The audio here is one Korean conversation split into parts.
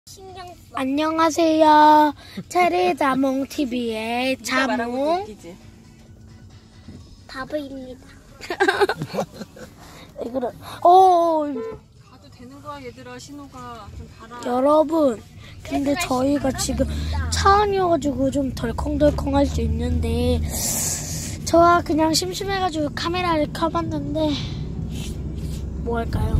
안녕하세요. 체리자몽TV의 자몽 바보입니다. 왜 그래? 가도 되는 거야 얘들아. 신호가 좀 달아. 여러분, 근데 저희가 지금 차 안이어가지고 좀 덜컹덜컹 할 수 있는데 저와 그냥 심심해가지고 카메라를 켜봤는데 뭐 할까요?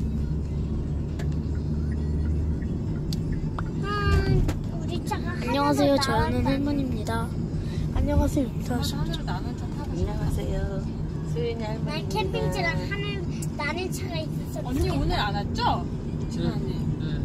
안녕하세요. 저는 할머니입니다. 안녕하세요. 인사하시죠. 안녕하세요. 수연이 할머니입니다. 난 캠핑차랑 나는 차가 있었어. 언니 오늘 안 왔죠? 지난해.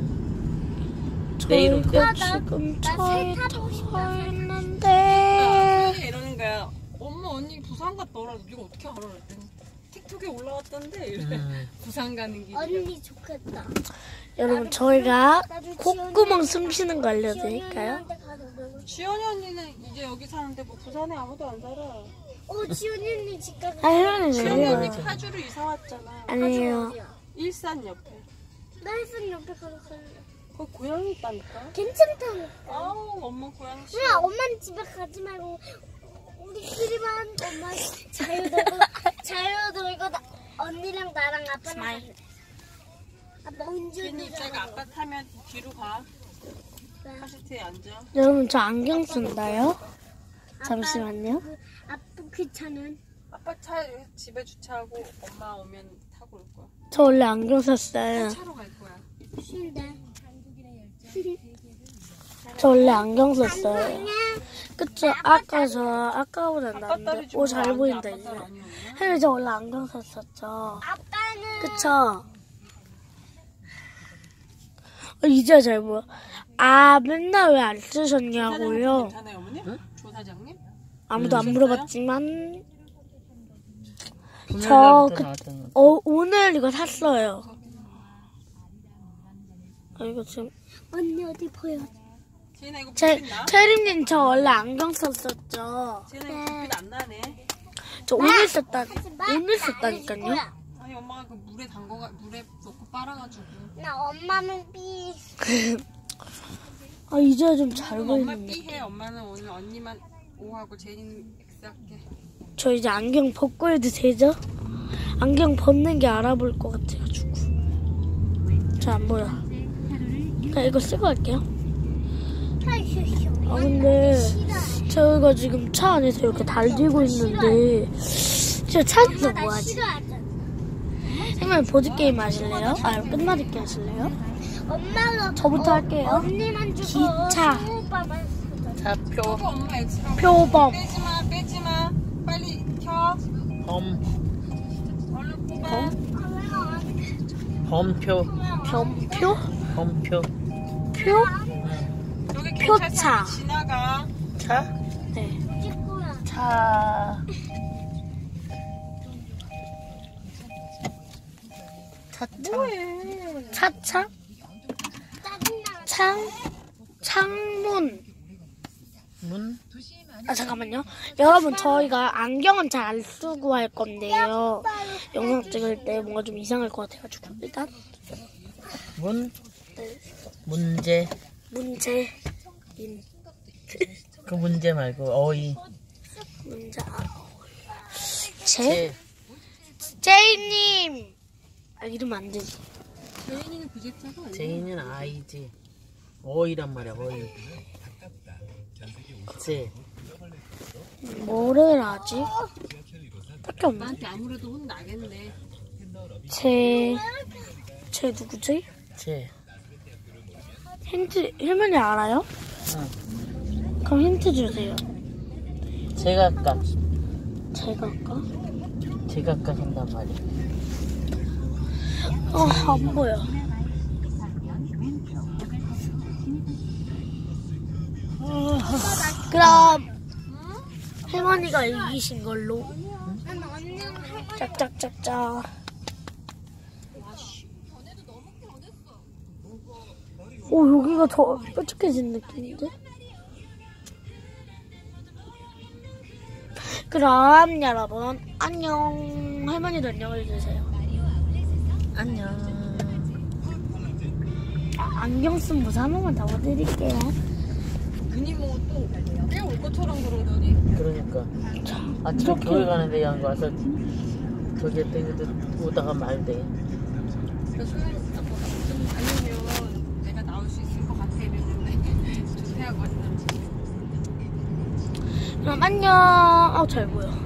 내일 온대? 저희가 지금 차에 타 있는데 이러는 거야. 엄마 언니 부산 갔더라. 네가 어떻게 알아? 그랬더니 틱톡에 올라왔던데. 이래. 부산 가는 길이야. 언니 좋겠다. 여러분, 저희가 콧구멍 숨쉬는 거 알려드릴까요? 지연이 언니는 이제 여기 사는데 뭐 부산에 아무도 안 살아. 지훈이 언니 집 가서. 할머니 지연이 언니 왜요? 파주로 이사 왔잖아. 아니에요. 일산 옆에. 나 일산 옆에 가서 살래. 거기 고양이 있다니까. 괜찮다니까. 아우 엄마 고양이 싫어. 누나 엄마는 집에 가지 말고 우리끼리만 엄마 자유 놀고 언니랑 나랑 아빠랑 갈래. 아빠 운전. 지연이 입자가 아빠 타면 뒤로 가. 카시트에 앉아. 여러분, 저 안경 쓴다요? 잠시만요. 아빠 그 차는 아빠 차 집에 주차하고 엄마 오면 타고 올 거야. 저 원래 안경 썼어요. 차로 갈 거야. 쉬운데. 저 원래 안경 썼어요. 그쵸? 아까보다 낫는데. 오, 잘 보인다, 이제. 혜리, 저 원래 안경 썼었죠. 아빠는 그쵸? 이제 잘 보여. 아, 맨날 왜 안 쓰셨냐고요? 괜찮아요 어머니? 응? 조 사장님? 아무도 안 물어봤지만 나왔던 오늘 이거 샀어요. 이거 지금 언니 어디 보여? 지은아 이거 불빛 나? 체리님, 저 원래 안경 썼었죠. 지은아 이거 불빛 안 나네. 저 오늘 썼다니까요. 아니 엄마가 그 물에 물에 넣고 빨아가지고. 나 엄마는 삐. 아, 이제 좀 잘 엄마 보이는데. B해. 엄마는 오늘 언니만 O하고 제니는 X 할게. 저 이제 안경 벗고 해도 되죠? 안경 벗는 게 알아볼 것 같아가지고. 잘 안 보여. 그냥 이거 쓰고 할게요. 아, 근데 저희가 지금 차 안에서 이렇게 달리고 있는데 진짜 차에서 뭐하지? 선생님, 보드게임 하실래요? 아, 끝말잇기 하실래요? 엄마가 저부터 할게요. 언니만 주고 기차. 오빠만 주고. 차표 저거 엄마 X라고. 표범. 빼지마. 빨리 켜. 범 얼른 뽑아. 범표 범표? 범표 표? 여기 표차. 경찰차 지나가. 차 네. 찍고야. 차 뭐해? 차차? 짜증나. 창문. 문 아, 잠깐만요. 여러분, 저희가 안경은 잘 안 쓰고 할 건데요. 영상 찍을 때 뭔가 좀 이상할 것 같아가지고. 일단, 문 문제 문제. 그 문제 말고 어이 문제. 제 제이님! 아, 이러면 안 되지. 제인이는 부재차가 아니야. 제이는 아이지 어이란 말이야 어이 제 뭐를 하지? 딱히 없나? 나한테 아무래도 혼나겠네. 제 누구지? 제 힌트, 할머니 알아요? 응. 그럼 힌트 주세요. 제각각 제가 할까? 제각각 한단 말이야 안 보여. 그럼 할머니가 이기신 걸로. 난 언니랑 할머니. 짝짝짝짝. 오, 여기가 더 뾰족해진 느낌인데? 그럼 여러분 안녕. 할머니도 안녕해주세요. 안녕 안경 쓴 모자 한 번만 담아드릴게요. 괜히 뭐또 빼올 것처럼 그러더니. 그러니까. 아침에 이렇게. 교회 가는데 양 와서 저기 땡기도 오다가 말대. 그러니까 소연이 좀 다니면 내가 나올 수 있을 것 같아 이랬는데 조퇴하고 왔는지. 그럼 안녕. 잘 보여.